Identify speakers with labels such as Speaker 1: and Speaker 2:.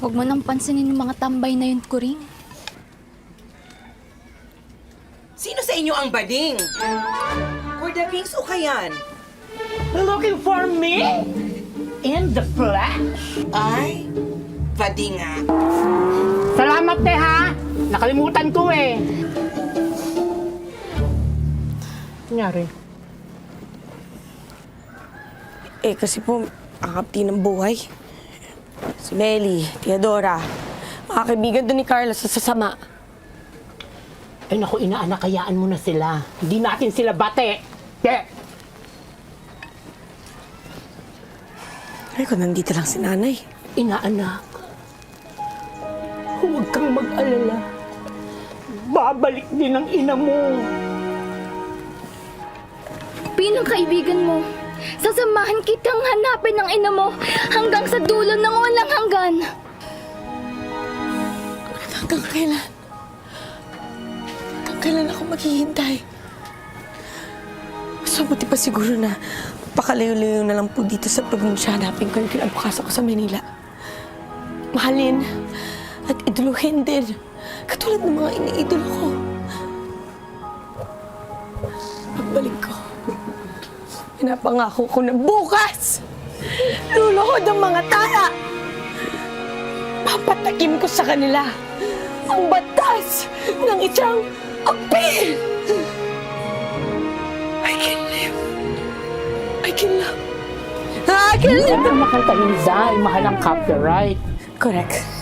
Speaker 1: Huwag mo nang pansinin yung mga tambay na yun, Kuring.
Speaker 2: Sino sa inyo ang bading? For the kings o kayan?
Speaker 3: Looking for me? In the flesh?
Speaker 2: Ay, bading nga.
Speaker 3: Salamat ha! Nakalimutan ko eh. Nangyari?
Speaker 4: Kasi po, akapti ng buhay. Si Melly, Teodora, mga kaibigan doon ni Carlos sa sasama.
Speaker 3: Ay naku, inaanak, kayaan mo na sila. Hindi natin sila bate.
Speaker 4: Ay, kung nandito lang si nanay.
Speaker 3: Inaanak, huwag kang mag-alala. Babalik din ang ina mo.
Speaker 1: Pinang kaibigan mo, sasamahan kitang hanapin ng ina mo hanggang sa dulo ng walang hanggan.
Speaker 4: Hanggang kailan? Hanggang kailan ako maghihintay? Mas mabuti pa siguro na pakalayo-layo na lang po dito sa probinsya. Hanapin ko yung kinabukasan ko sa Manila. Mahalin at iduluhin din. Katulad ng mga iniidolo ko. Pagbalik ko, pinapangako ko na bukas, luluhod ang mga tala. Papatakim ko sa kanila ang batas ng isang apil. I can live. I can love. I can live.
Speaker 3: Ang makanta ni Zay, mahal ang copyright.
Speaker 4: Correct.